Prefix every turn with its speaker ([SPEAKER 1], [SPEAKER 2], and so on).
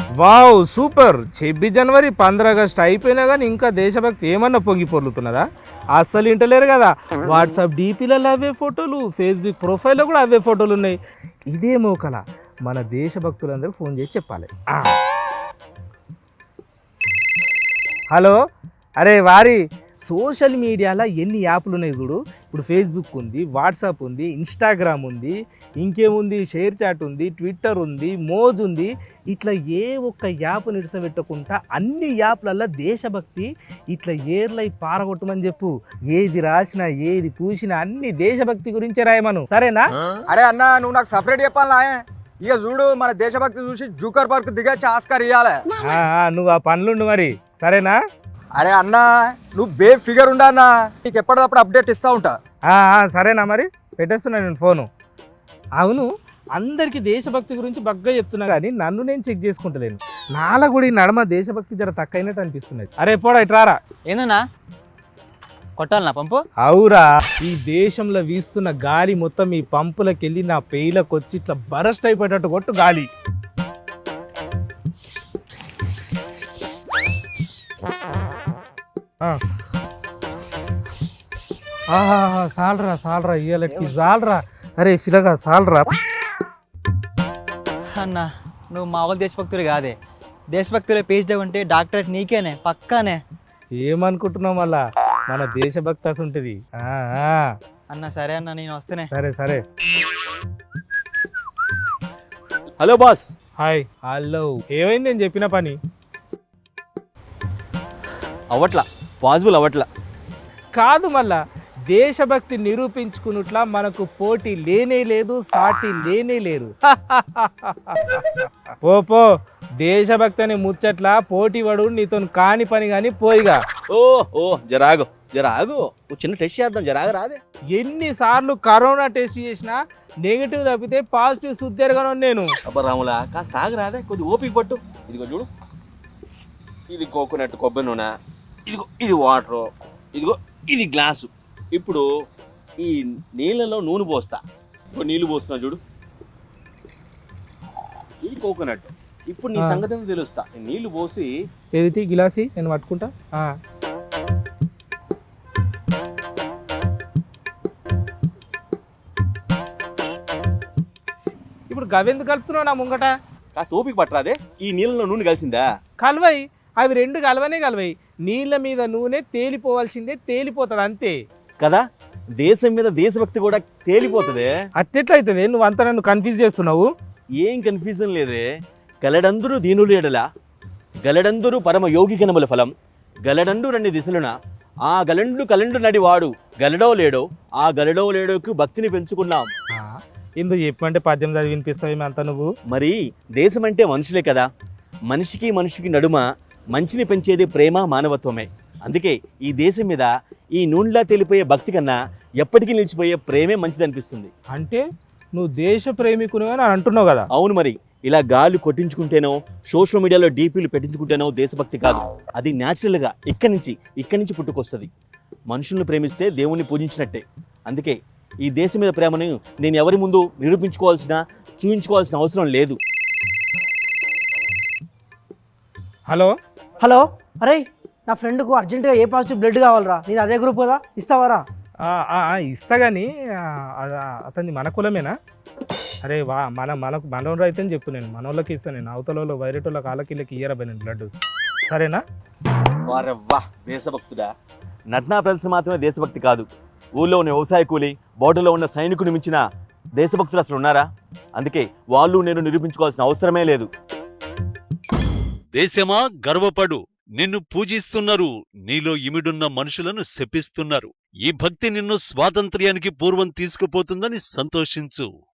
[SPEAKER 1] Wow super 26 జనవరి 15 August అయిపోయినా కానీ ఇంకా దేశభక్తి ఏమన్నా పొంగి పొర్లుతున్నదా? అస్సలు ఇంటలేరు కదా. వాట్సాప్ డీపీలలో అవే ఫోటోలు, ఫేస్బుక్ ప్రొఫైల్లో కూడా అవే ఫోటోలు ఉన్నాయి. ఇదే మోకల మన దేశభక్తులందరూ ఫోన్ చేసి చెప్పాలి. హలో, అరే వారి సోషల్ మీడియాలో ఎన్ని యాప్లు ఉన్నాయి చూడు. ఇప్పుడు ఫేస్బుక్ ఉంది, వాట్సాప్ ఉంది, ఇన్స్టాగ్రామ్ ఉంది, ఇంకేముంది, షేర్ చాట్ ఉంది, ట్విట్టర్ ఉంది, మోజ్ ఉంది. ఇట్లా ఏ ఒక్క యాప్ నిడిసబెట్టకుండా అన్ని యాప్లల్లో దేశభక్తి ఇట్లా ఏర్లై పారగొట్టమని చెప్పు. ఏది రాసినా ఏది పూసినా అన్ని దేశభక్తి గురించే రాయమను, సరేనా?
[SPEAKER 2] అరే అన్న, నువ్వు నాకు సపరేట్ చెప్పాలనా? ఇక చూడు, మన దేశభక్తి చూసి జూకర్ పార్క్ దిగచ్చి ఆస్కార్ ఇవ్వాలి.
[SPEAKER 1] నువ్వు ఆ పనులుండు మరి, సరేనా?
[SPEAKER 2] అరే అన్న, నువ్వు బే ఫిగర్ ఉండా అన్న, నీకు ఎప్పటికప్పుడు అప్డేట్ ఇస్తూ ఉంటా.
[SPEAKER 1] సరేనా మరి, పెట్టేస్తున్నా నేను ఫోను. అవును, అందరికీ దేశభక్తి గురించి బగ్గా చెప్తున్నా కానీ నన్ను నేను చెక్ చేసుకుంటలేను. నాలా కూడా ఈ నడమ దేశభక్తి జర తక్కువైనట్టు అనిపిస్తున్నది. అరే పోడా ఇట్రారా.
[SPEAKER 3] ఏందన్నా కొట్టాలనా పంపు?
[SPEAKER 1] అవురా, ఈ దేశంలో వీస్తున్న గాలి మొత్తం ఈ పంపులకు వెళ్ళి నా పేయిలకు వచ్చి ఇట్లా బరస్ట్ అయిపోయేటట్టు కొట్టు గాలి. సాలరా సాలరా ఇయ్యాలకి సాలరా. అరే ఫిలగా సాలరా.
[SPEAKER 3] అన్న నువ్వు మామూలు దేశభక్తులు కాదే, దేశభక్తులే పేజ్లో ఉంటే డాక్టరేట్ నీకేనే పక్కానే.
[SPEAKER 1] ఏమనుకుంటున్నావు మళ్ళా, మన దేశభక్తి అసలు ఉంటుంది.
[SPEAKER 3] అన్న సరే అన్న, నేను వస్తేనే.
[SPEAKER 1] సరే సరే.
[SPEAKER 4] Hello boss.
[SPEAKER 1] హాయ్. హలో, ఏమైంది నేను చెప్పిన పని?
[SPEAKER 4] అవట్లా, పాసిబుల్ అవట్లా.
[SPEAKER 1] కాదు మళ్ళా, దేశభక్తి నిరూపించుకున్నట్లా మనకు పోటీ లేనే లేదు, సాటి లేనే లేరు. పో దేశభక్తి అని ముచ్చట్లా పోటీ పడు, నీతో కాని పని కానీ పోయిగా.
[SPEAKER 4] ఓ జరాగు చిన్న టెస్ట్ చేద్దాం, జరాగు రాదే.
[SPEAKER 1] ఎన్నిసార్లు కరోనా టెస్ట్ చేసినా నెగిటివ్ తప్పితే పాజిటివ్ సుద్దెరగాను నేను.
[SPEAKER 4] అబ్బా రాములా, కాస్త ఆగు రాదే, కొద్ది ఓపిక పట్టు. ఇదిగో చూడు, ఇది కోకోనట్ కొబ్బరి నూనె, ఇదిగో ఇది వాటరు, ఇదిగో ఇది గ్లాసు. ఇప్పుడు ఈ నీళ్ళలో నూనె పోస్తా. ఇప్పుడు నీళ్ళు పోస్తున్నా చూడు, ఇది కోకోనట్. ఇప్పుడు నీ సంగతి తెలుస్తా. నీళ్లు పోసి
[SPEAKER 1] ఏది గిలాసి నేను పట్టుకుంటా. ఇప్పుడు గవెందుకు కలుపుతున్నావు నా ముంగట?
[SPEAKER 4] కాస్త ఓపిక పట్టరాదే. ఈ నీళ్ళలో నూనె కలిసిందా?
[SPEAKER 1] కలవై, అవి రెండు కలవై. నీళ్ళ మీద నూనె తేలిపోవాల్సిందే, తేలిపోతుంది అంతే
[SPEAKER 4] కదా. దేశం మీద దేశభక్తి కూడా తేలిపోతుంది.
[SPEAKER 1] అట్టెట్లయితుంది? నువ్వు అంతా నన్ను కన్ఫ్యూజ్ చేస్తున్నావు.
[SPEAKER 4] ఏం కన్ఫ్యూజన్ లేదే. గలడందరూ దీనులు ఎడల, గలడందరూ పరమ యోగి కనముల ఫలం, గలడండు రెండు దిశలున, ఆ గలండు కలండు నడి వాడు గలడో లేడో, ఆ గలడో లేడోకు భక్తిని పెంచుకున్నాం.
[SPEAKER 1] ఎందుకు చెప్పమంటే పద్యం చదివి వినిపిస్తావు అంతా నువ్వు.
[SPEAKER 4] మరి దేశం అంటే మనుషులే కదా. మనిషికి మనిషికి నడుమ మంచిని పెంచేది ప్రేమ, మానవత్వమే. అందుకే ఈ దేశం మీద ఈ నూనెలా తేలిపోయే భక్తి కన్నా ఎప్పటికీ నిలిచిపోయే ప్రేమే మంచిదనిపిస్తుంది.
[SPEAKER 1] అంటే నువ్వు దేశ ప్రేమికునే అని అంటున్నావు కదా.
[SPEAKER 4] అవును, మరి ఇలా గాలి కొట్టించుకుంటేనో సోషల్ మీడియాలో డీపీలు పెట్టించుకుంటేనో దేశభక్తి కాదు. అది న్యాచురల్గా ఇక్కడి నుంచి పుట్టుకొస్తుంది. మనుషుల్ని ప్రేమిస్తే దేవుణ్ణి పూజించినట్టే. అందుకే ఈ దేశం మీద ప్రేమను నేను ఎవరి ముందు చూపించుకోవాల్సిన అవసరం లేదు.
[SPEAKER 5] హలో, అరే నా ఫ్రెండ్కు అర్జెంటుగా ఏ పాజిటివ్ బ్లడ్ కావాలరా. నీది అదే గ్రూప్ కదా, ఇస్తావారా?
[SPEAKER 1] ఇస్తా కానీ అతన్ని మన కులమేనా? అరే మనోళ్ళు అయితే చెప్పు, నేను మనోళ్ళకి ఇస్తాను. నేను అవతల వైరటోళ్ళకి వాళ్ళకి ఇయ్యరా నేను బ్లడ్, సరేనా?
[SPEAKER 4] వారవ్వా, దేశభక్తుడా. నటనా ప్రదర్శన మాత్రమే దేశభక్తి కాదు. ఊళ్ళో ఉన్న వ్యవసాయ కూలి, బోర్డులో ఉన్న సైనికుని మించిన దేశభక్తులు అసలు ఉన్నారా? అందుకే వాళ్ళు నేను నిరూపించుకోవాల్సిన అవసరమే లేదు.
[SPEAKER 6] దేశమా గర్వపడు, నిన్ను పూజిస్తున్నారు, నీలో ఇమిడున్న మనుషులను శపిస్తున్నారు. ఈ భక్తి నిన్ను స్వాతంత్ర్యానికి పూర్వం తీసుకుపోతుందని సంతోషించు.